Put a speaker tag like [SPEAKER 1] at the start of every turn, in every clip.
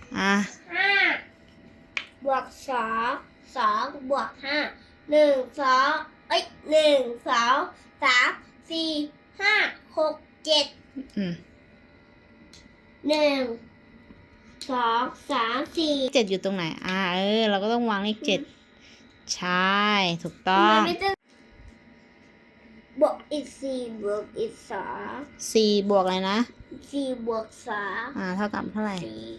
[SPEAKER 1] อ่ะ
[SPEAKER 2] 5+2+2+1+2+3+4+5+6+7
[SPEAKER 1] อืม
[SPEAKER 2] 1 2 3 4
[SPEAKER 1] 7อยู่ตรงไหนเราก็ต้องวางเลข7ใช่ถูกต้อ
[SPEAKER 2] ทำไม
[SPEAKER 1] ง
[SPEAKER 2] ไม่ต้องบวกอีก4บวกอีก
[SPEAKER 1] 4บวกอะไรนะ
[SPEAKER 2] 4บวก3
[SPEAKER 1] เท่ากับเท่าไหร่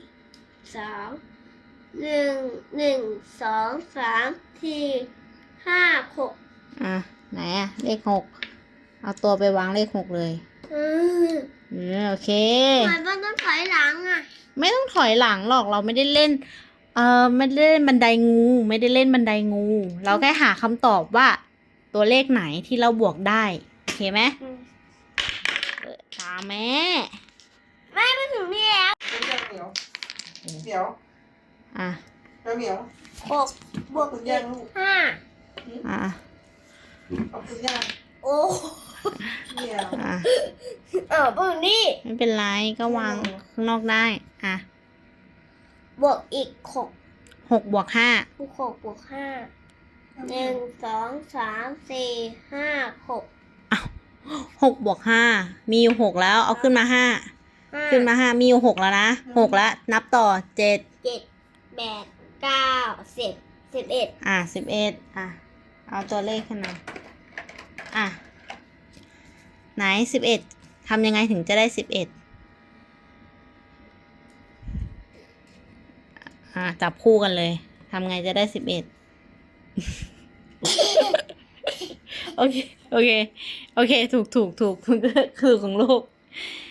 [SPEAKER 2] 4 2 1 1 2 3 4 5 6
[SPEAKER 1] ไหนเลข6เอาตัวไปวางเลข6เลยโอเค
[SPEAKER 2] ทำไมต้องถอยหลังอ่ะ
[SPEAKER 1] ไม่ต้องถอยหลังหรอกเราไม่ได้เล่นไม่ได้เล่นบันไดงูไม่ได้เล่นบันไดงู เราแค่หาคำตอบว่า ตัวเลขไหนที่เราบวกได้โอเคไหมตามแม่
[SPEAKER 2] ไม่ถึงนี่แล้ว
[SPEAKER 3] เหนียวเหนียว
[SPEAKER 1] อ่ะ
[SPEAKER 3] เหนียว
[SPEAKER 2] 6บวกอีก5
[SPEAKER 1] อ่ะ
[SPEAKER 3] เอาคุณย่า
[SPEAKER 2] โอ้
[SPEAKER 3] เหนียว
[SPEAKER 2] บวกนี่
[SPEAKER 1] ไม่เป็นไรก็วางข้างนอกได้
[SPEAKER 2] บวกอีก
[SPEAKER 1] 6บวก5
[SPEAKER 2] 6บวก5 1 2 3 4 5 6
[SPEAKER 1] 6บวก5มีอยู่6แล้วเอาขึ้นมา5ขึ้นมา5มีอยู่6แล้วนะ6แล้วนับต่อ7
[SPEAKER 2] 7 8 9 10 11
[SPEAKER 1] 11เอาตัวเลขขึ้นมาไหน11ทำยังไงถึงจะได้11จับคู่กันเลยทำไงจะได้11โอเคถูกคือของลูก